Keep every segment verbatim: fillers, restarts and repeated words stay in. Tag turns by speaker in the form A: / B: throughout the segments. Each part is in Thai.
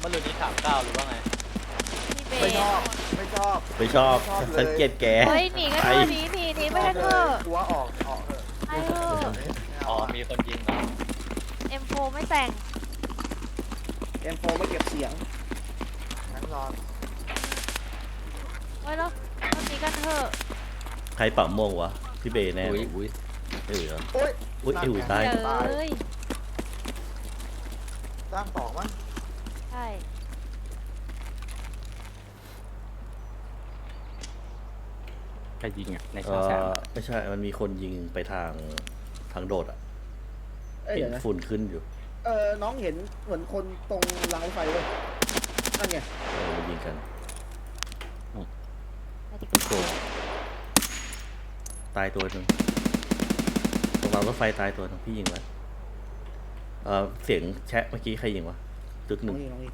A: มื่อรืนนี้ถามก้าวหรือว่าไง
B: พี่เบ
C: ไม่ชอบไม่ชอบ
D: ไม่ชอบสังเกตแก
B: เฮ้ยหนีกันเถอะหนีหนีหนีไปกันเถอะ
C: กลัวออกออกเถอะ
B: ไปเถอะ
A: อ๋อมีคนยิงเหรอ
B: เอ็มโฟไม่แต่ง
E: เอ็มโฟไม่เก็บเสียง
C: งั้นรอ
B: เฮ้ยแล้วเราหนีกันเถอะ
D: ใครเป่าโมงวะพี่เบย์แน่
A: อุ้ยอุ้ย
D: เอ้ยเหรอ
C: โอ้ย
D: อุ้ยไอ้หุ่ยตาย
B: เดี๋ยวเอ้ย
C: ตั้งสองมั้ง
B: ใช่
A: ใครยิงอ่ะใน
D: เอ
A: ช่องแสง
D: อไม่ใช่มันมีคนยิงไปทางทางโดดอ่ะ
E: เอ้ย
D: เห็
E: เดี๋
D: น
E: ยวนะ
D: ฝุ่นขึ้นอยู่
E: เออน้องเห็นเหมือนคนตรงรางรถไฟเลยนั่นไง
D: เออมันยิงกัน
B: ไปดีกว่า
D: ตายตัวหนึ่งตรงรางรถไฟตายตัวหนึงพี่ยิงไว้เออเสียงแชะเมื่อกี้ใครยิงวะตึกห
E: น้อ
D: นึ่
E: ง
D: ง
E: ยิงน้องยิง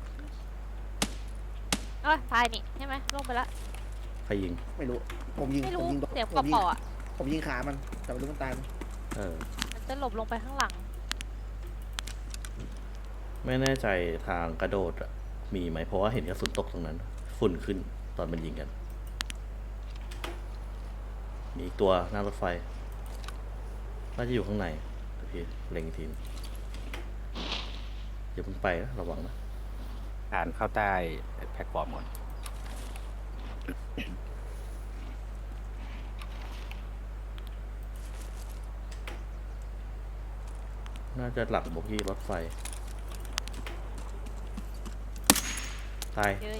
B: เอ้ยตายนี่ใช่ไหมลงไปละ
D: ใครยิง
E: ไม่รู้ผมยิง
B: ไม่
E: ผม
B: รู้
E: ยิง
B: เสียง
E: ผมยิง
B: เปาะๆอ่ะ
E: ผมยิงขามันแต่ไม่รู้มันตายไหม
D: เออ
B: มันจะหลบลงไปข้างหลัง
D: ไม่แน่ใจทางกระโดดอะมีไหมเพราะว่าเห็นกระสุนตกตรงนั้น ฝุ่นขึ้นตอนมันยิงกัน มีอีกตัวหน้ารถไฟ น่าจะอยู่ข้างในเดี๋ยวพี่เล็งอีกทีอย่าเพิ่งไปนะระวังนะ
A: ผ่านเข้าใต้แพลตฟอร์มหมด
D: น่าจะหลังโบกี้รถไฟ ตาย
B: เย้ย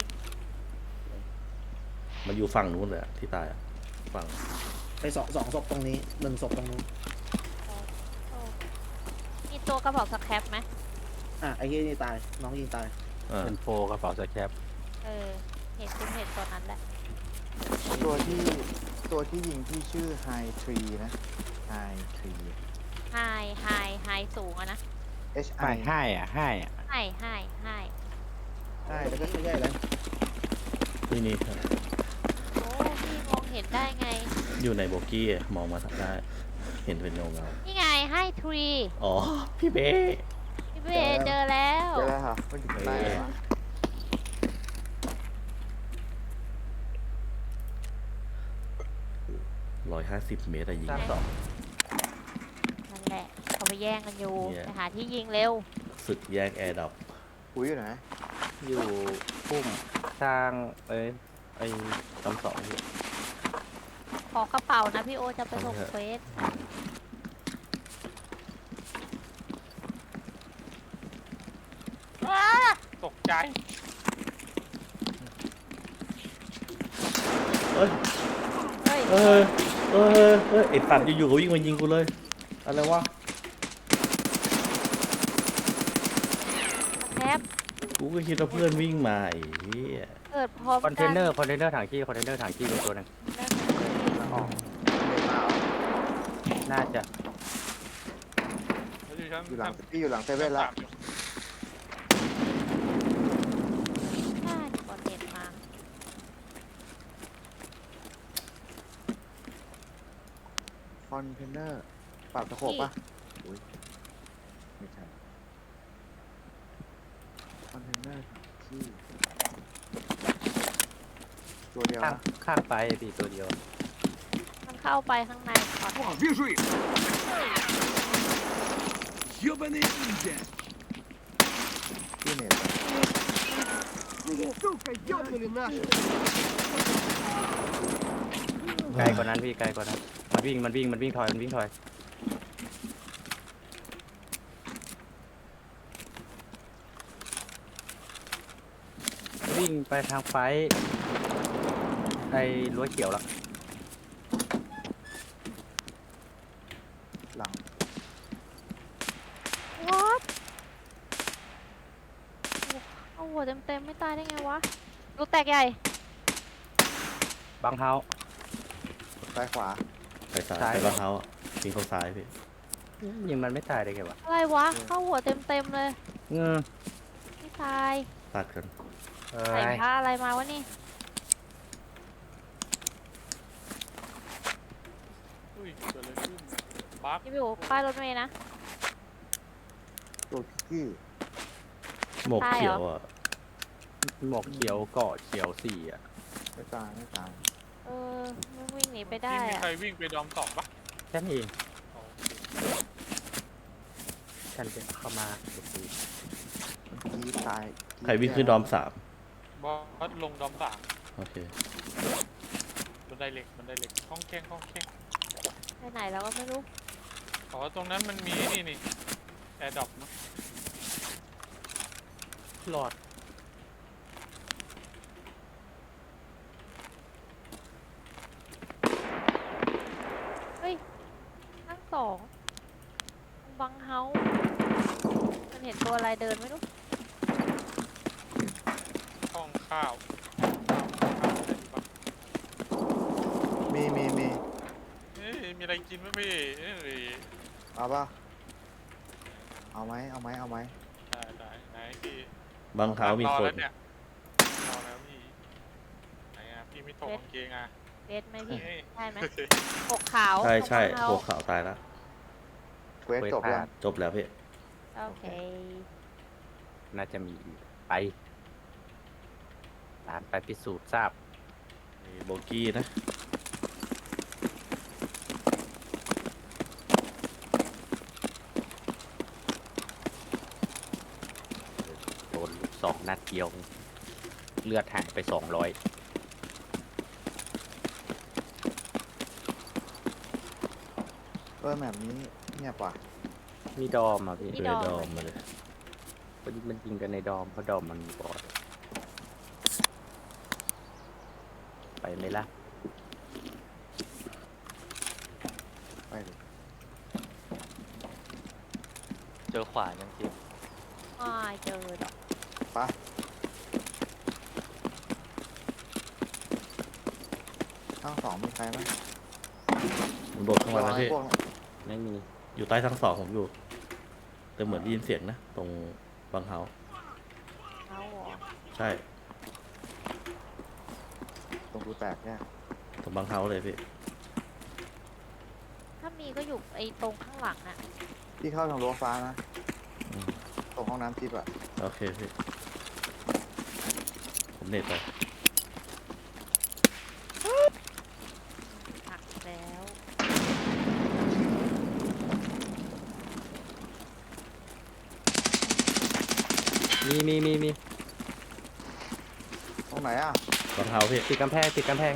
D: มันอยู่ฝั่งนู้นเลยอะที่ตายอะฝั่ง
E: ไปสองสองศพตรงนี้หนึ่งศพตรงนู้น
B: โอ้มีตัวกระเป๋าสแครปไหม
E: อ่ะไอ้ที่นี่ตายน้องยิงตาย
D: อ่า
A: เป็นโฟกระเป๋าสแคป
B: เออเห็นคุณเห็นตัวนั้นแหละ
C: ตัวที่ตัวที่ยิงที่ชื่อไฮทรีนะไฮทรี
B: ไฮไฮไฮสูงอะนะ
C: H
A: ให้
C: I
A: ให้อ่ะให้อ่ะ
B: ไฮไฮไฮ
E: ใช่แล้วก็ไม่ใช่แล้ว
D: นี่นี่ครับ
B: โอ้พี่มองเห็นได้ไง
D: อยู่ในโบกี้อะมองมาทางได้ เห็นเป็นเงาเงา
B: นี่ไงไฮทรี
D: ๆอ๋อ พี่เบ้
B: พี่เบย์เจอแล้ว
C: เดี๋ยวแล้วค่ะมันอยู่ใต้เหรอ
D: ร้อยห้าสิบเมตรอะยิง
A: สร้างสอง
B: นั่นแหละเขาไปแย่งกันอยู่
D: เนี่ย
B: ไปหาที่ยิงเร็ว
D: ศึกแยกแอร์ดับ
C: ปุ๋ยอยู่ไหน
A: อยู่พุ่มสร้างเอ้ยไอ้ลำสองอยู่
B: ขอกระเป๋านะพี่โอจะไปส่ง
D: เอาเถอะ
B: เควส
A: ตกใจ
D: เอ้ย
B: เฮ้ย
D: เออเออเออไอ้ตัดอยู่ๆก็วิ่งมายิงกูเลย อะไรวะ
B: แคป
D: กูก็คิดว่าเพื่อนวิ่งมาไอ้เหี้ย
B: เกิดพร้อม
A: คอนเทนเนอร์คอนเทนเนอร์ถังขี้คอนเทนเนอร์ถังขี้เป็นตัวหนึง
C: ออกไม่เปล่า
A: น่าจะ
C: อยู่หลังพี่อยู่หลังเซเว่นแล้ว
B: ใช่ก่อนเด็ดมา
C: คอนเทนเนอร์ปรับตะโขบปะอุ้ยไม่ใช่คอนเทนเนอร์ที่ตัวเดียว
A: ข้าง
C: นะ
A: ข้างไปพี่ตัวเดียว
B: มันเข้าไปข้างในก่อน
F: О, вижу их! Ёбаные ниндзя!
C: ที่เน็ต
F: Сука, ёбнули наши!
A: ไกลกว่านั้นพี่ไกลกว่านั้นมันวิ่งมันวิ่งมันวิ่งถอยมันวิ่งถอยวิ่งไปทางไฟไอ้รั้วเขียวละ
C: หลัง
B: วอตเอาหัวเต็มๆไม่ตายได้ไงวะลูกแตกใหญ่
A: บังเฮา
C: ซ้ายขวา
D: ไปซ้าย
A: ซ้าย
D: ไปบ้านเขาอะยิงเขาซ้ายพี่
A: ยิงมันไม่ตายได้ไงวะ
B: อะไรวะ เข้าหัวเต็มๆเลย
A: เงือ
B: ไม่ตาย
D: ตัดกัน
A: เอ้
B: ใส่
A: ย
B: ผ้าอะไรมาวะนี่
G: อุ้ยเกิดอะไรขึ้นบั๊ก
B: พี่อยู่ป้ายรถเมล์นะ
C: ตัวกี้
D: หมวกเขียวอ่ะ
A: หมวกเขียวเกาะเขียวสี่อ่ะ
C: ไม่ตายไม่ตาย
B: เออมันวิ่งหนีไปได้
G: ที่มี
B: อะ
G: ใครวิ่งไปดอมสองปะ
A: แค่นี้เอง
G: อ๋อ
A: ฉันจะเข้ามาดูสิ
C: เมื่อกี้ตาย
D: ใครวิ่งขึ้นดอมสาม
G: บอสลงดอมสาม
D: โอเค
G: บันไดเหล็กบันไดเหล็กห้องแข้งห้องแข้ง
B: ไปไหนแล้วก็ไม่รู้
G: อ๋อตรงนั้นมันมีนี่นี่แอร์ดรอปมั้ง
A: หลอด
B: เฮ้ยทั้งสองมันบังเฮามันเห็นตัวอะไรเดินไม่รู้
G: ห้องข้าว
C: มีมีมี
G: เอ้ยมีอะไรกินไหมพี่เอ้ย
C: เอาป่ะเอาไหมเอาไหมเอาไหม
G: ได้ได้ไหนพี่
D: บางเท้ามี
G: รอ
D: คน
G: แล้วเนี่ยรอแล้วพี่ไหนอ่ะพี่ไม่ถกกางเกงอ่ะ
B: เบสไหมพี่
G: เอ้ย
B: ได้ไหมปกขาว
D: ใช่ใช่
B: ตรงบังเฮา
D: หัวขาวตายแล้ว
C: เควสจบยัง
D: จบแล้วพี่
B: โอเค
A: น่าจะมีอีกไปตามไปพิสูจน์ทราบ
D: มีโบกี้นะ
A: โดนลูกสองนัดเดียว เลือดหายไปสองร้อย
C: เออแบบนี้เงียบว่ะ
A: มีดอมอ่ะพี่
B: มี
D: เลย
B: ด
D: ด
B: อ
D: อ
B: ม
D: มมาเลย
A: มันมันยิงกันในดอมเพราะดอมมันมีบอดไปไหมล่ะ
C: ไปดิ
A: เจอขวายังจริง
B: ไม่เจอดอก
C: ไปทั้งสองมีใครไหม
D: มันโดดเข้ามาแล้วพี่
C: พวก
A: ไม่มี
D: อยู่ใต้ทั้งสองผมอยู่ แต่เหมือนได้ยินเสียงนะ ตรงบางเท้า
B: เขาเหรอ
D: ใช่
C: ตรงกูแตกเนี่ย
D: ตรงบางเท้าเลยพี่
B: ถ้ามีก็อยู่ไอ้ตรงข้างหลังน่ะ
C: พี่เข้าทางรั้วฟ้านะ
D: อืม
C: ตรงห้องน้ำทิพย์อะ
D: โอเคพี่ ผมเน็ตไป
B: หักแล้ว
A: มีมีมีมี
C: ตรงไหนอะ
D: บางเท้าพี่
A: ติดกำแพงติดกำแพง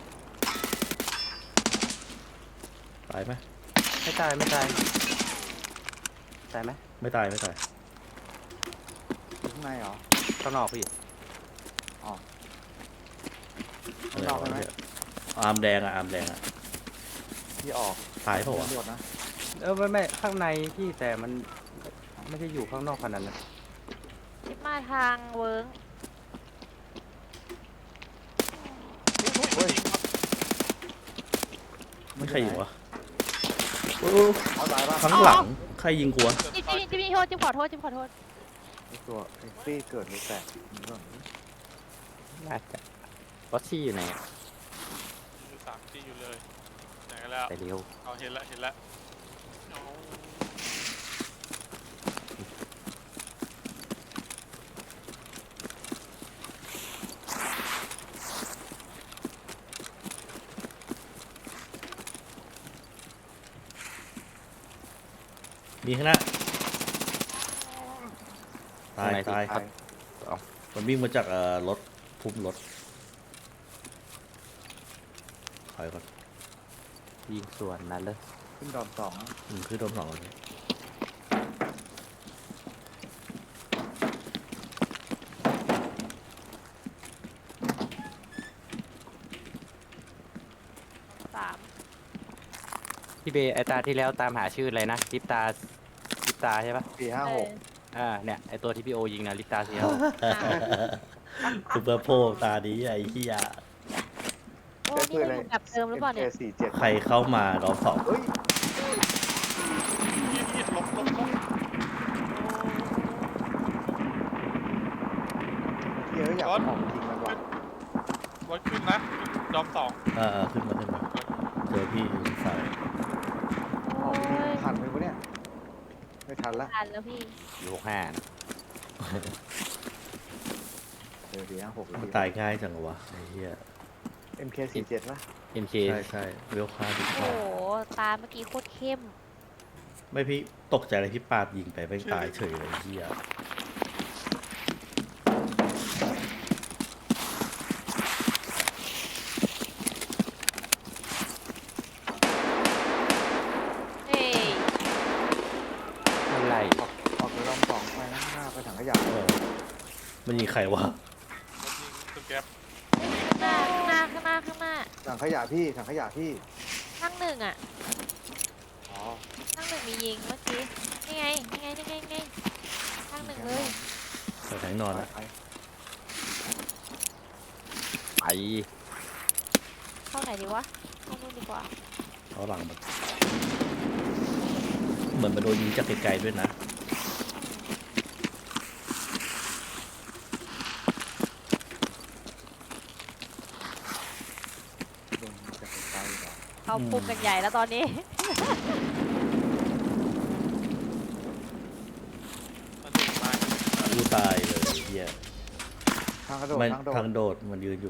D: ตายไหม
A: ไม่ตายไม่ตายตายไหม
D: ไม่ตายไม่ตาย
C: อยู่ข้างในเหรอ
A: ข้างนอกพี่
C: ข้างนอกใช่ไหม
D: เนี่ยอาร์มแดงอะอาร์มแดงอะ
C: พี่ออก
D: ตายเปล่าวะ
C: ตำรวจนะ
A: เออไม่ไม่ข้างในพี่แต่มันไม่ได้อยู่ข้างนอกขนาดนั้น
B: ทิปมาทางเวิร์ง
C: เฮ้ย
D: ไม่ใครยิงวะโอ้
C: เอาตายป่ะ
D: ข้างหลังใครยิงกูวะ
B: จิ๊บจิ๊บจิ๊บจิ๊บโทษจิ๊บขอโทษจิ๊บขอโทษ
C: ไอ้ตัวไอ้ฟี่เกิดหรือแตกนี่ก่อน
A: น่าจะวัชี่อยู่ไหนอะ
G: อยู่สามที่อยู่เลยไหนกันแล้ว
A: ไปเร็ว
G: เอาเห็นแล้วเห็นแล้วเอา
D: มีข้างหน้า ตาย
A: ข้งใน
D: ตาย
A: พี่
C: ตาย
D: มันวิ่งมาจากเอ่อรถพุ่มรถถอยก่อน
A: ยิงส่วนนั้นเลย
C: ขึ้นดอมสองนะ
D: อืมคือโดนสองเลย
B: สาม
A: พี่เบย์ไอตาที่แล้วตามหาชื่ออะไรนะลิปตาลิปตาใช่ปะ
C: สี่ห้าหก
A: อ่าเนี่ยไอตัวที่พี่โอยิงนะลิปตาเซียว
D: ซูเปอร์โพลตาดีไอ้เหี้ย
B: โอ้นี่มันอยู่แบบเดิมหรือเปล่าเนี่ย
C: สี่เจ็ด
D: ใครเข้ามารอบสอง
C: เฮ้ย
G: มีดมีดลบลบลบ
C: เยอะอยาก
G: รถ
C: ออกจริงมันว่ะ
G: วัดขึ้นนะดอมสอง
D: เออเออขึ้นมาขึ้นมาเจอพี่อยู่สาย
B: โอ้ย
C: ทันไหมวะเนี่ย ไม่ทันละ
B: ทันแล้วพี่
A: อยู่หกห้านะ
C: เเออสี่ห้าหก
D: มันตายง่ายจังวะไอ้เหี้ย
C: เอ็มเคสี่เจ็ดป่ะ
H: เอ็มเค
D: ใช่ใช่เวลค่าดี
B: โอ้
D: กว่า
B: โหตาเมื่อกี้โคตรเข้ม
D: ไม่พี่ตกใจอะไรพี่ปาดยิงไปไม่ตายเฉยเลยไอ้เหี้ย
B: เฮ้ย
H: อะไร
C: ออกออกไปลองสองไปนะหน้าไปถังขยะ
D: เออมันยิงใครวะ
G: รถยิงตุ๊กแก๊ป
B: ข้างหน้าข้างหน้าข้างหน้าข้างหน้า
C: ถังขยะพี่ถังขยะพี่
B: ข้างหนึ่งอ่ะ
C: อ๋อ
B: ข้างหนึ่งมียิงเมื่อกี้นี่ไงนี่ไงนี่ไงนี่ไงข้างหนึ่งเลย
D: ใส่แทงนอนอะ
C: ไป
H: ไป
B: เข้าไหนดีวะเข้านู่นดีกว่า
D: เขาหลังแบบเหมือนมันโดนยิงจากไกลๆด้วยนะ
C: โดนจะไปไกลเหรอ
B: เขาปุ่มกันใหญ่แล้วตอนนี้
G: มันถึงมา
D: กูตายเลยไอ้เหี้ย
C: ทางกระโดด
D: มัน
C: ทางโดด
D: ทางโดดมันยืนอยู่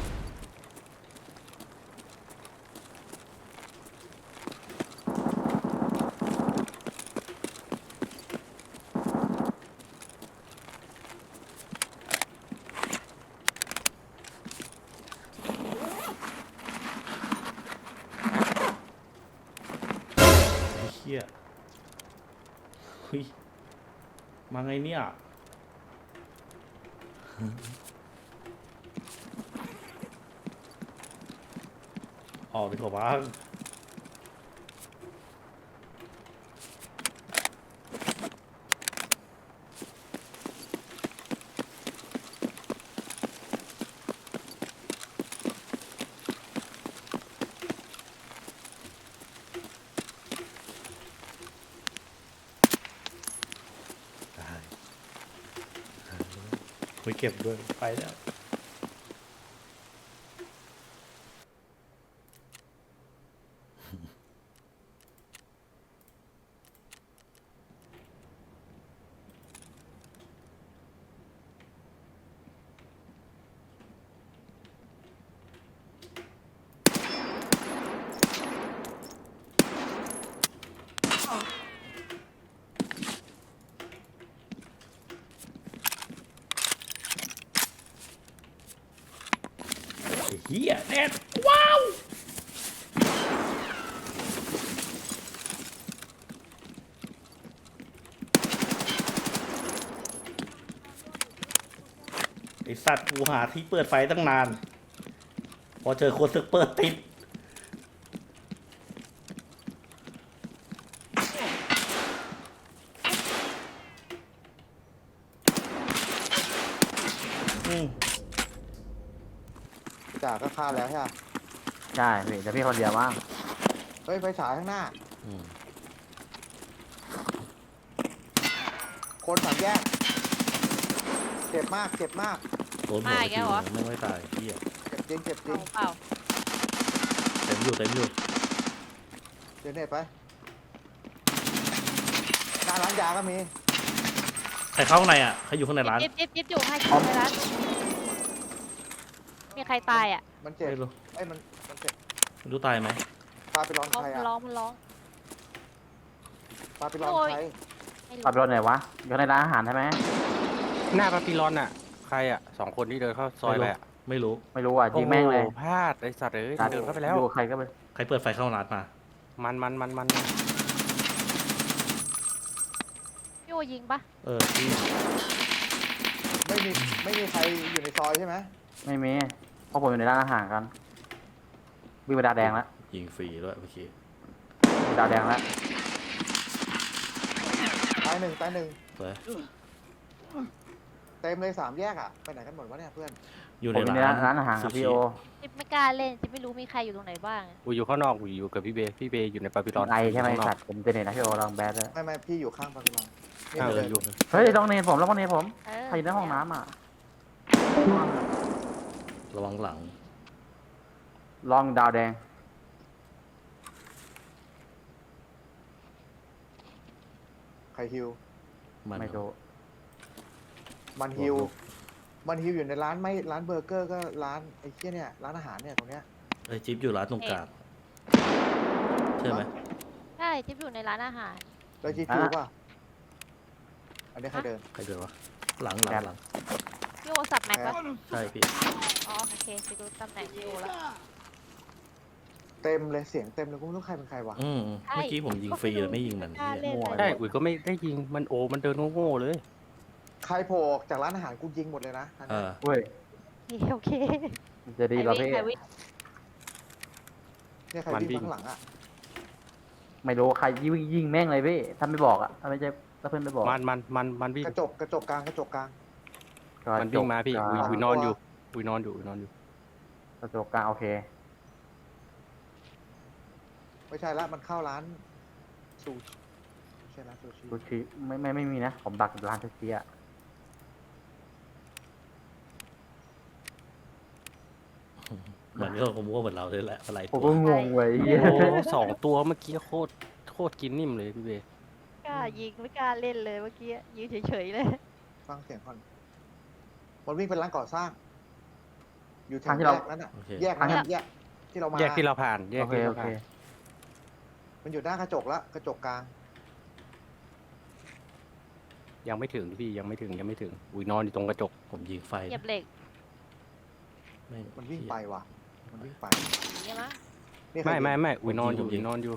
D: ไอ้เหี้ยเฮ้ยมาไงเนี่ย ออกดีกว่าบ้างได้ไม่เก็บด้วย ไปแล้ว เฮียแน่นว้าว ไอสัตว์กูหาที่เปิดไฟตั้งนาน พอเจอคนซึกเปิดติด อืม
C: จ่าก็ฆ่าแล้วใช่ไหม
H: ใช่พี่แต่พี่คนเดียวมั้ง
C: เฮ้ยไฟฉายข้างหน้า
D: อืม
C: คนสามแยกเจ็บมากเจ็บมาก
D: โดนหัว
B: มา
D: ไป
B: อีก
D: ที
B: แล้วเหรอ
D: นึงไม่ไม่ตายเฮีย
C: เจ็บจริงเจ็บจริ
B: เปล่าง เปล่า
D: เต็มอยู่เต็มอยู่
C: เดี๋ยวเน็ตไปหน้าร้านยาก็มี
D: ใครเข้าข้างในอ่ะ ใครอยู่ข้างในร้าน
B: จิ๊บจิ๊บจิ๊บอยู่ให้จิ๊บไปร้านมีใครตายอ่ะ
C: มันเจ็บ
D: ไม่รู้
C: ไอ้ยมันมันเจ็บ
D: ไม่รู้ตายไหม
C: พาไปร้อน
B: ร้อง
C: ใคร
B: มัน
C: อ่ะ
B: ร้องมันร้อง
C: พาไปร้อน
B: โอ้ย
C: ใคร
B: ไม่รู้
H: ขับรถไหนวะอยู่ในร้านอาหารใช่ไหม
A: หน้าปาปิลอนอ่ะ ใครอ่ะสองคนที่เดินเข้าซอยไปอ่ะ
D: ไม่รู้
H: ไม่รู้อ่ะยิงแม่งเลย
A: โอ้โหพลาดไอสัตว์เอ้ยเดินเข้าไปแล้ว
H: อยู่ใครก็ไป
D: ใครเปิดไฟเข้าร้านมา
A: มันมันมันมัน
B: พี่โอยิงปะ
D: เออที่
C: ไม่มีไม่มีใครอยู่ในซอยใช่ไหม
H: ไม่มีเพราะผมอยู่ในร้านอาหารกันวิ่งไปดาวแดงแล้ว
D: ยิงฟรีด้วยเมื่อกี้
H: ดาวแดงแล้ว
C: ตายหนึ่งตายหนึ่ง
D: เปิด
C: เต็มเลยสามแยกอ่ะไปไหนกันหมดวะเนี่ยเพื่อน
D: อยู่
H: ผม
D: ใน
H: อยู่ใน
D: ร้า
H: ร้าน นร้านอาหารครับพี่โอ
B: จิ๊บไม่กล้าเล่นจิ๊บไม่รู้มีใครอยู่ตรงไหนบ้างอะ
A: กูอยู่ข้างนอกกูอยู่กับพี่เบย์พี่เบย์อยู่ในปาปิลอน
H: ไอใช่ไหม
A: ข้างนอก
H: สัตว์ผมเจเน็ตนะพี่โอลองแบดเลย
C: ไม่ไม่พี่อยู่ข้างปาปิลอนนี่
A: เอ
C: เล
A: อย อยู่
H: เฮ้ยลองเนทผมลองเนทผม
B: เออ
H: ใครอยู่ในห้องน้ำอ่ะ
D: ระวังหลัง
H: ลองดาวแดง
C: ใครฮิว
D: มัน
H: ไม่รู้
C: มันฮิวมันฮิวอยู่ในร้านไม่ร้านเบอร์เกอร์ก็ร้านไอ้เคี้ยเนี่ยร้านอาหารเนี่ยตรงเนี้ย
D: ไอ้จิ๊บอยู่ร้านตรงกลางใช่ไหม
B: ใช่จิ๊บอยู่ในร้านอาหาร
C: แล้วจีคิวป่ะอันนี้ใครเดิน
D: ใครเดินวะหลังหลังหลัง
B: พี่โอสับแม็กปะ
D: ใช่พี่
B: อ๋อโอเคไปดูตำแหน่งพี่โอแล้ว
C: เต็มเลยเสียงเต็มเลยกูไม่รู้ใครเป็นใครวะ
D: อืมเมื่อกี้ผมยิงฟรีเลยไม่ยิงมัน
B: กล้า
D: เหี้
B: เล่
D: ย
B: นเลย
A: ใช่อุ๋ยก็ไม่ได้ยิงมันโอมันเดินโง่ๆเลย
C: ใครโผล่ออกจากร้านอาหารกูยิงหมดเลยนะอัน
D: เอ
C: นั้น
D: อ
H: เว้ย
B: โอเค
H: มันจะดีเหราพี่
B: ใครวิ่ง
C: เนี่ยใคร
A: มันวิ่
C: วิ่ง
A: ง
C: ข้างหลังอ่ะ
H: ไม่รู้ใครยิงยิงแม่งเลยพี่ถ้าไม่บอกอ่ะถ้าไม่ใช่ถ้าเพื่อนไม่บอก
A: มันมันมันมันวิ่ง
C: กระจกกระจกกลางกระจกกลาง
H: ก็
A: มันวิ่งมาพี่
H: จบ
A: อุ๋ย
H: กลาง
A: อุ๋ยนอนอยู่อุ๋ยนอนอยู่อุ๋ยนอนอยู่
H: กระจกกลางโอเค
C: ไม่ใช่ละมันเข้าร้านซูชิไม่ใช่ร้านซูชิ
H: ซูชิไม่ไม่ไม่มีนะผมดักร้านซูชิอ่ะ
D: มันก็คงมั่วเหมือนเราเลยแหละอะไร
H: ผม
D: ตัว
H: ก็งงเว้ยเหี้ย
A: โอ้สองตัวเมื่อกี้โคตรโคตรกินนิ่มเลยพี่เบย์
B: กล้ายิงไม่กล้าเล่นเลยเมื่อกี้ยืนเฉยๆเลย
C: ฟังเสียงก่อนมันวิ่งเป็นร้านก่อสร้าง อยู่แถ
H: ทาง
C: ว
H: ที่
C: แย
H: เรา
C: กนั้นอ่ะ
D: โอเค
C: แยกนั้นอะแยกที่เรามา
A: แยกที่เราผ่านแยก
H: โอเค
A: ที่
H: โอ
A: เรา
H: เค
A: ผ่าน
C: มันอยู่หน้ากระจกละกระจกกลาง
A: ยังไม่ถึงพี่ยังไม่ถึงยังไม่ถึงอุ๋ยนอนอยู่ตรงกระจก
D: ผมยิงไฟ
B: เหยียบเหล็ก
D: ไม่
C: มันวิ่งไปว่ะ มันวิ่งไป
B: อย่างเงี้ยมั้ง
C: นี่ใคร
A: ไม่ไม่
C: ยิง
A: ไม่อุ๋ยนอนอยู่อุ๋ยนอนอยู่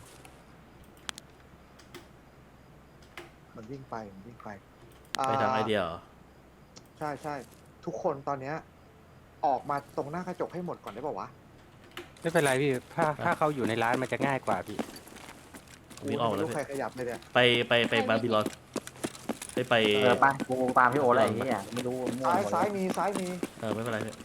C: มันวิ่งไปมันวิ่งไป
D: ไปทางไอเดียเหรอ
C: ใช่ใช่ทุกคนตอนเนี้ยออกมาตรงหน้ากระจกให้หมดก่อนได้ป่าวะ
A: ไม่เป็นไรพี่ถ้าถ้าเขาอยู่ในร้านมันจะง่ายกว่าพี่
D: ผมวิ่งออก
C: ไม่
D: แล้ว
C: รู้
D: พี่
C: ใครขยับเลยเนี่ย
D: ไปไปไปบาบิลอนไปไป
H: เออไปกูตามพี่โออะไรอย่างเงี้ยไม่รู้มั่ว
C: ซ้าย
H: หมด
C: ซ้าย
H: เลย
C: มีซ้ายมี
D: เออไม่เป็นไรพี่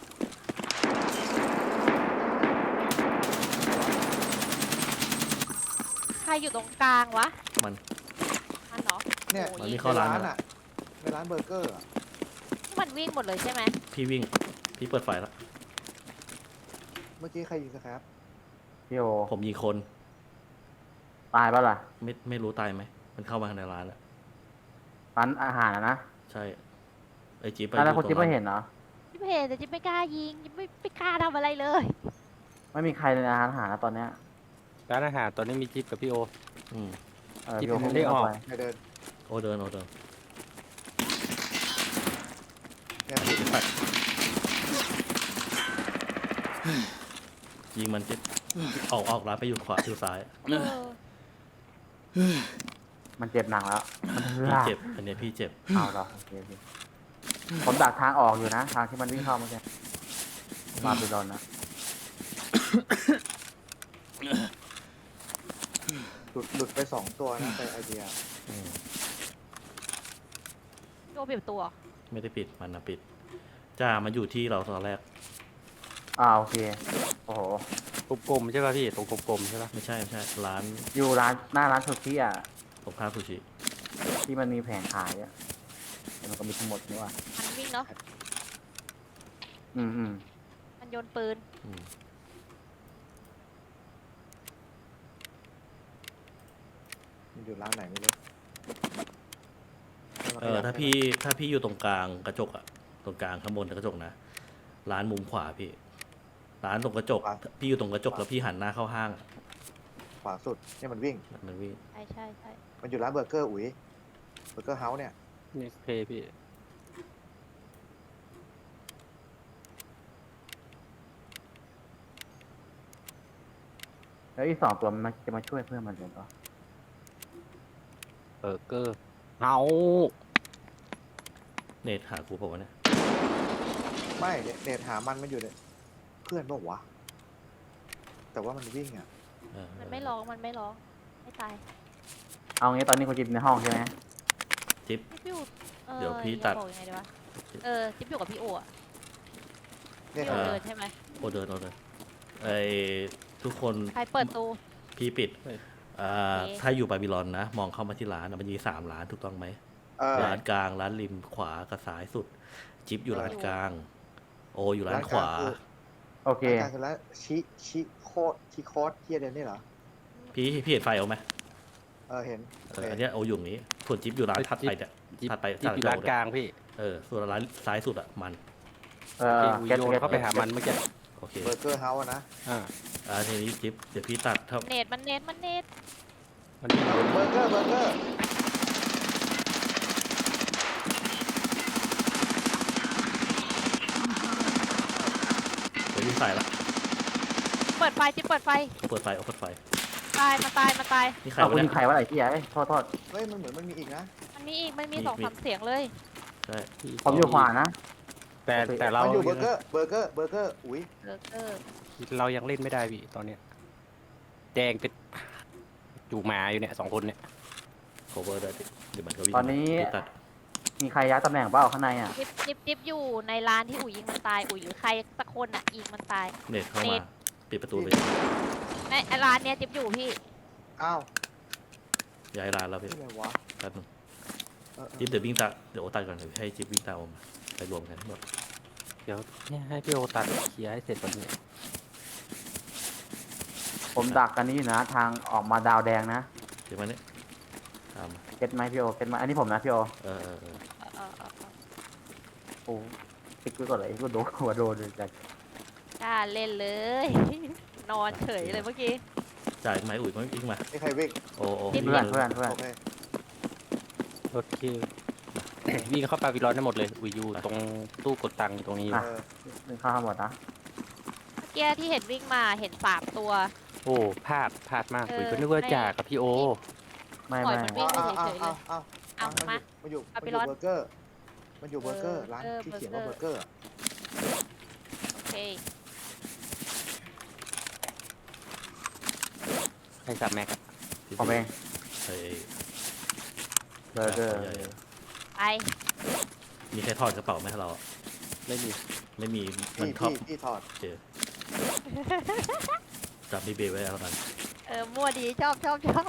B: ใครอยู่ตรงกลางวะ
D: มัน
B: มันเหรอ
C: เนี่ย
B: โอ้
D: มัน
B: ย
D: มีเข้าร้าน
C: อ่ะในร้านเบอร์เกอร์อะ
B: นี่มันวิ่งหมดเลยใช่ไหม
D: พี่วิ่งพี่เปิดไฟแล้ว
C: เมื่อกี้ใครยิงสครับ
H: พี่โอ
D: ผมยิงคน
H: ตายปะล่ะ
D: ไม่ไม่รู้ตายไหมมันเข้ามาในร้านแล้ว
H: ร้านอาหารอะนะ
D: ใช่ไอจิ๊บไป
H: แล้วคนที่ไม่
D: ร้า
H: เห็นเหรอ
B: จิ๊บเห็นแต่จิ๊บไม่กล้ายิงจิ๊บไม่ไม่กล้าทำอะไรเลย
H: ไม่มีใครในร้านอาหารนะตอนเนี้ย
A: ร้านอาหารตอนนี้มีจิ๊บกับพี่โอ
D: อืม
H: เออ
A: ที่
H: พี่โอ
A: ผม
H: คง
A: ได้ออก
H: ไป
C: ใครเดิน
D: โอเดินโอเดิน
C: เนี่ย
D: ยิงมันจิ๊บออกออกร้านไปอยู่ขวาอยู่ซ้าย
B: เออ
H: มันเจ็บหนักแล้วมันเหือ
D: พี่เจ็บอันเนี้ยพี่เจ็บ
H: เอาเหรอโอเคโอเคผมดักทางออกอยู่นะ ทางที่มันวิ่งเข้าเมื่อกี้มาบิลอนนะ
C: หลุดหลุดไปสองตัวนะไปไอเดีย
D: อืม
B: พี่โอเปลี่ยนตัว
D: ไม่ได้ปิดมันนะปิดจ้ามันอยู่ที่เราตอนแรก
H: อ่าโอเคโอ้โห
A: กลมๆใช่ป่ะพี่ตรงกลมๆใช่ป่ะ
D: ไม่ใช่ไม่ใช่ร้าน
H: อยู่ร้านหน้าร้านซูชิอ่ะ
D: ตรงข้ามซูชิ
H: ที่มันมีแผงขายอ่ะแต่มันก็มีทั้งหมดนี่ว่ะ
B: มันวิ่งเนาะ
H: อืมอืม
B: มันโยนปืน
D: อืม
C: มันอยู่ร้านไหนไม่รู้
D: เออถ้าพี่ถ้าพี่อยู่ตรงกลางกระจกอะตรงกลางข้างบนกระจกนะร้านมุมขวาพี่ ร้านตรงกระจกพี่อยู่ตรงกระจกแล้วพี่หันหน้าเข้าห้างอะ
C: ขวาสุดเนี่ยมันวิ่ง
D: มันวิ่ง
B: ใช่ใช่ใช่
C: มันอยู่ร้านเบอร์เกอร์อุ๋ยเบอร์เกอร์เฮาส์เนี่ย
A: นี่โอเคพี่
H: แล้วอีกสองตัวมันจะมาช่วยเพื่อนมันเลยก็
A: เบอร์เกอร์เอา
D: เนทหากูเปล่าวะเนี่ย
C: ไม่เนี่ยเนตหามันมันอยู่เนี่ยเพื่อนบอกวะแต่ว่ามันวิ่งอ่ะ
D: เออ
B: มันไม่ร้องมันไม่ร้องไม่ตาย
H: เอางี้ตอนนี้คุณจิบในห้องใช่ไหม
D: จิ๊บ
B: จิ๊บอยู่ออ
D: เดี๋ยวพี่
B: จะ
D: ตัด
B: บอกยังไงดีวะเออจิ๊บอยู่กับพี่โออะ
C: เนี่ย
B: พี่โอ
D: เออ
B: เดินใช่ไหม
D: โอเดินโอเดินไอทุกคน
B: ใครเปิดตู
D: พี่ปิดอ่า
B: โอเค
D: ถ้าอยู่บาบิลอนนะ มองเข้ามาที่ร้านอะมันมีสามร้านถูกต้องไหม
C: เออ
D: ร้านกลางร้านริมขวากับซ้ายสุด จิ๊บอยู่ร้านกลาง โออยู่ร้าน
C: ร้าน
D: ข
C: กลาง
D: วา
C: คือ
H: โอเค
C: รายการคือแล้วชิชิโคดชิโคดเทียเดนนี่เหรอ
D: พี่พี่เห็นไฟเอาไหม
C: เออเห็น
D: เอออันเนี้ยโออยู่ตรงนี้ส่วนจิ๊บอยู่ร้านถัดไปเนี่ย
A: จิ๊บ
D: ถัดไป
A: จิ๊บอยู่ร้านกลางพี่
D: เออส่วนร้านซ้ายสุดอะมัน
H: เออ
A: ที่
H: เก็ต
A: โยน
H: เก็ต
A: เข้าไปหามันเมื่อกี้
D: โอเค
C: เบอร์เกอร์เฮาส์อะนะ
A: อ่า
D: อ่าทีนี้จิ๊บเดี๋ยวพี่ตัดถ้า
B: เนตมันเนตมันเนต
A: มัน
C: เบอร์เกอร์เบอร์เกอร์
D: เดี๋ยวพี่ใส่ละ
B: เปิดไฟจิ๊บเปิดไฟ
D: เอาเปิดไฟเอาเปิดไฟ
B: ตายมาตายมาตาย
D: นี่ใคร
H: เอา
D: วะ
H: คุณ
D: เนี่
H: ยิ
D: ย
H: งใครวะไอ้ที่ไอ้โทษโทษ
C: เฮ้ยมันเหมือนมันมีอีกนะ
B: มันมีอีกมันมี
D: มี
B: สอง
D: มี
B: สามเสียงเลย
D: ใช่
H: ผมอยู่ขวานะ
A: แต่แต่เรา
C: มันอยู่เบอร์เกอร์เบอร์เกอร์เบอร์เกอร์อุ้ย
B: เบอร์เกอร์
A: เรายังเล่นไม่ได้พี่ตอนเนี้ยแดงเป็นจูหมาอยู่เนี่ยสองคนเนี่ย
D: โคเวอร์ได้พี่เดี๋ยวมันก็วิ่ง
H: ตอนนี้
D: พี่ตัด
H: มีใครย้ายตำแหน่งเปล่าข้างในอ่ะ
B: จิ๊บจิ๊บจิ๊บอยู่ในร้านที่อุ๋ยยิงมันตายอุ๋ยหรือใครสักคนอ่ะยิงมันตาย
D: เน็ตเข้า
B: เน็
D: มา
B: ต
D: ปิดประตูเลย
B: ในไอ้ร้านเนี้ยจิ๊บอยู่พี่
C: อ้าว
D: ย้ายร้านแล้วพี่
C: ที่ไหนวะ
D: แป๊บนึง
C: เออเออ
D: จิ๊บเดี๋ยววิ่งตัดเดี๋ยวโอตัดก่อนเดี๋ยวให้จิ๊บวิ่งตามผมไปรวมกันทั้งหมด
A: เดี๋ยวเนี่ยให้พี่โอตัดเคลียร์ให้เสร็จก่อนเนี่ย
H: ผมดักกันนี้อยู่นะ ทางออกมาดาวแดงนะ
D: เดี๋ยวมาเนี่ยตามมา
H: เก็ตไหมพี่โอเก็ตไหมอันนี้ผมนะพี่โอ
D: เออเออเออ
B: เออเออเออเออ
H: โอ้ติ๊กไว้ก่อนเลยกูโดนหัวโดนเลยจาก
B: กล้าเล่นเลย นอนเฉยเลยเมื่อกี้
D: จ่ายไหมอุ๋ยมันวิ่งมา
C: มีใครวิ่ง
D: โอ้โอ้
B: จิ๊บ
H: เพื่อนเพื่อนเพื่อน
C: โอเค
A: รถคิววิ่งเข้าปาวิลอนได้หมดเลยอุยอยู่ตรงตู้กดตังค์อยู่ตรงนี้อยู่
C: เออ
H: หนึ่งข้าวทั้งหมดนะ
B: เมื่อกี้ที่เห็นวิ่งมาเห็นสามตัว
A: โอ้พลาดพลาดมาก
B: เออ
A: อุยก็นึกว่าจ่ากับพี่โอ
H: ไม่
B: ปล่อย
H: ไม่
B: มันวิ่ง
C: เอา
B: ไป
C: เอา
B: เฉยๆเลย
C: เอาเอา
B: เอา
C: มัน
B: มา
C: มันอยู่
B: เอา
C: มัน
B: ไป
C: อยู่
B: ร้อน
C: เบอร์เกอร์มันอยู่เบอร์เกอร์
B: เออ
C: ร้าน
B: เออ
C: ที่เขียนว่า
B: เบ
C: เบ
B: อ
C: อ
B: ร์
C: ร์
B: เก
C: เก
B: อ
C: อ
B: ร์
C: ร์อะ
B: โอเค
A: ให้สับแม็กอะ
H: ผมเอง
D: ไอ้
H: เบอร์เกอร์
B: ไป
D: มีใครถอดกระเป๋าไหมให้เราอะ
A: ไม่มี
D: ไม่มีมัน
C: พี่
D: ท็อป
C: พี่พี่ถอด
D: เจอจับบีเบไว้แล้วกัน
B: เออมั่วดีชอบชอบชอบ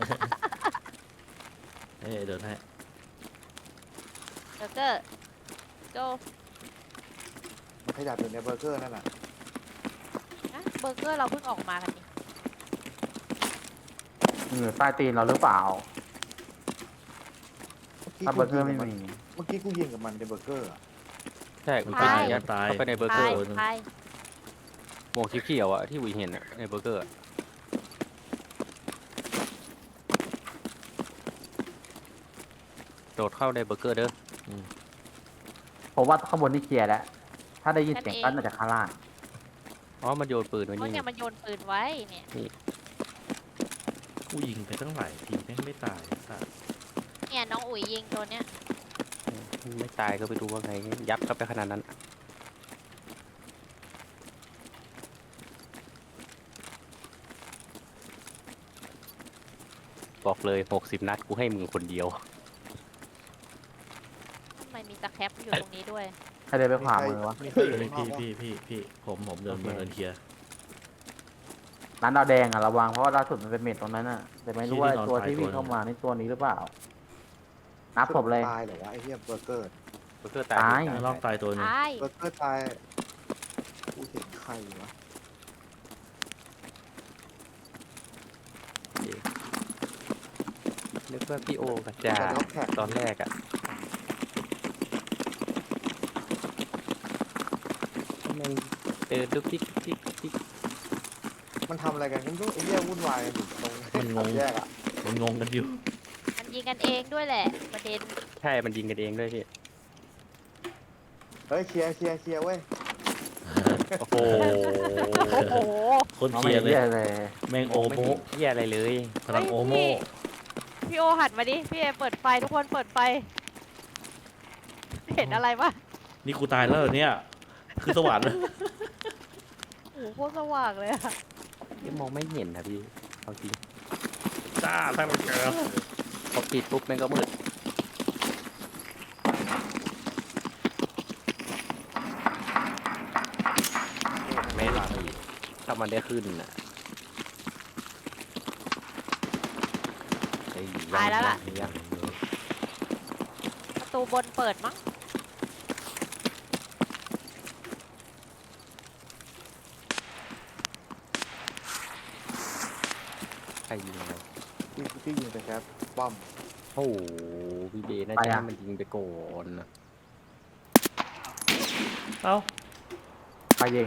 D: เอ้ยเดินให้
B: เบอร์เกอร์โจ
C: มันขยับอยู่ในเบอร์เกอร์นั่นน่ะ
B: นะเบอร์เกอร์เราเพิ่งออกมากันนี่
H: มันอยู่ใต้ตีนเราหรือเปล่า
C: เมื่อกี้
H: ถ้าเบอร์เกอร์ไม่
C: กูยิงกับน
H: มี
C: เมื่อกี้กูยิงกับมันในเบอร์เกอร์อะ
A: ใช่อุย
D: ตาย
A: ยัด
D: ตาย
A: เข้าไปในเบอร์เก
B: ไป
A: อร์
B: ไป
A: หมวกสีเขียวอะที่อุยเห็นอะในเบอร์เกอร์อะ โดดเข้าในเบอร์เกอร์เด้อ
H: ผมว่าข้างบนนี่เคลียร์แล้ว ถ้าได้ยินเสียงกั้นมาจากข้างล่าง
A: อ๋อมันโยนปืนไว้
B: เพราะ
A: นี่
B: เนี่ยมันโยนปืนไว้เนี่ย
D: กูยิงไปตั้งหลายทีแม่งไม่ตายสัตว์
B: เนี่ยน้องอุ๋ยยิงตัวเนี้ย
A: ไม่ตายก็ไปดูว่าไงยับเข้าไปขนาดนั้น บอกเลยหกสิบนัดกูให้มึงคนเดียว
B: ทำไมมีตะแคปอยู่ตรงนี้ด้วย
H: ใครเดินไปขวามือวะ
C: มีใครอยู่
D: เฮ้ย
C: ข้างน
D: พี่
C: อกวะ
D: พี่พี่พี่ผมผมเดิน
H: โอเค
D: มาเดินเคลียร์
H: ร้านดาวแดงอ่ะระวังเพราะว่าล่าสุดมันเป็นเม็ดตรงนั้นอ่ะ แต่ไม่รู้ว่า
D: ที่นอน
H: ตัว
D: ตาย
H: ที่วิ่ง
D: ตัวหนึ่ง
H: เข้ามานี่ตัวนี้หรือเปล่า นับศพเลย
C: ตายเหรอวะไอ้เหี้ยเบอร์เกอร์
A: เบอร์เกอร์ตาย
H: ตาย
A: ตาย
D: ลอกตายตัวหนึง
B: ตาย
C: เบอร์เกอร์ตายกูเห็นใครวะ
A: นึกว่าพี่โอกับจ่า
C: แต่ล็อกแท็ก
A: ตอนแรกอะแม่งเดินดุ๊กดิ๊กดิ๊กดิ๊ก
C: มันทำอะไรกันกันไอ้เหี้ยวุ่นวายกันอยู่ตรง
D: มันงง
C: แยกอะ
D: มันงงกันอยู่
B: มันยิงกันเองด้วยแหละ ประเด็น
A: ใช่มันยิงกันเองด้วยพี่
C: เฮ้ยเคลียร์เคลียร์เคลียร์เว้ย
A: โอ้โห
B: โอ้โห
D: คนเคลียร์เลย
H: อาไม่เลย
D: แม่งโอ
A: ไม่
D: โม
A: เห็นเหี้ยอะไรเลย
D: พลังโอโม
B: พี่พี่โอหันมาดิ พี่เอเปิดไฟทุกคนเปิดไฟ เห็นอะไรปะ
D: นี่กูตายแล้วเหรอเนี่ย คือสวรรค์
B: โอ้โหโคตรสว่างเลยอะ
A: ยังมองไม่เห็นนะพี่เอาจริง
D: จ้าตั้งแต่เกิด
A: พอปิดปุ๊บแม่งก็มืดไม่หลับอีกถ้ามันได้ขึ้นน่ะไอ้
B: ตายแล้วล่ะ
A: ยัง
B: ประตูบนเปิดมั้ง
A: ใครยิงอะไร
C: พี่พี่ยิงไปแคปป้อม
A: โอ้โหพี่เบน่าจะให้มันยิงไปก่อนนะ
D: เอ้า
H: ไปยิง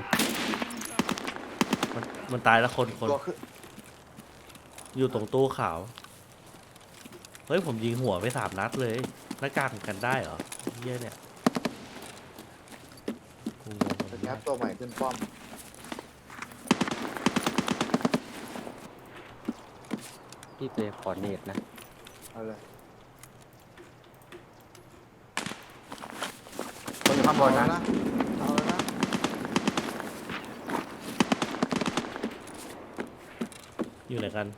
D: มันมันตายแล้วคนคน
C: ตัวขึ้น
D: อยู่ตรงตู้ขาว เฮ้ยผมยิงหัวไปสามนัดเลยหน้ากากมันกันได้เหรอเหี้ยเนี่ยกูงง
C: สแคปตัวใหม่ขึ้นป้อม
A: พี่ไปขอเนตนะ
C: เอาเลย
H: คนอยู่ข้างบนนะ
C: เอาแล้วนะ
D: อยู่ไหนกัน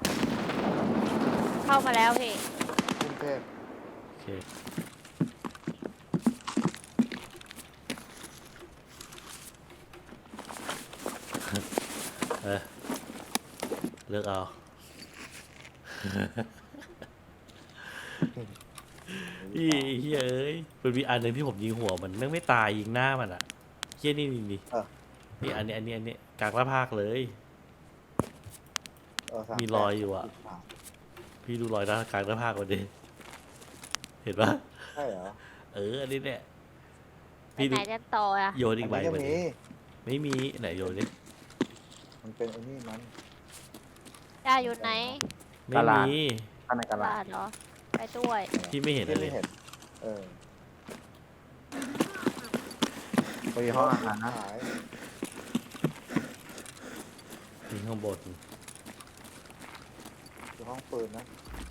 B: เข้ามาแล้วพี่
C: กรุงเทพ
D: โอเคเออเลือกเอา พี่เฮ้ยเอ้ยมันมีอันหนึ่งที่ผมยิงหัวมันแม่งไม่ตายยิงหน้ามันอ่ะเฮี้ยนี่นี่นี่นี่อันนี้อันนี้อันนี้กลางหน้าผากเลย
C: เออสา
D: มีรอยอยู่อะ พี่ดูรอยหน้ากลางหน้าผากมันดิเห็นปะ
C: ใช่เหรอ
D: เอออันนี้เนี่ย
B: ไป
D: พี่
B: ไห
D: ดู
B: นกันต่ออะ
D: โยนอีกใบ
C: อัน
D: มา
C: นี้
D: ดิ
C: ก็
D: ไม่มีไหนโยนดิ
C: มีมันเป็นไอ้นี่มัน
B: จ้าอยู่ไหน
D: ไม่มี
H: ข้างในกระลา
B: บ้านเหรอ ไปด้วย
D: พี่ไม่เห็น
C: ที่
D: เล
C: ไม่
D: ย
C: เห็น เออ
H: ไปห้องอาหารนะ
C: หาย
D: ยิงข้างบน
C: อยู่ห้องปืนนะ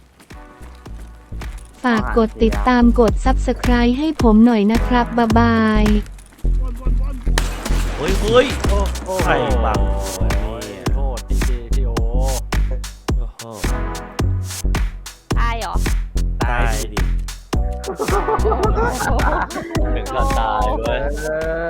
I: ฝากกดติดตามกด ซับสไครบ์ ให้ผมหน่อยนะครับ บ๊ายบาย
F: One, one, one.
D: เฮ้ยเฮ้ย
A: โอ้โห
D: ใครบัง
A: โทษจริงๆพี่โอ
D: โอ้โห
B: ตายเหรอ
D: ตายดิ
A: ถึงก็ตายเว้ย
H: เอ้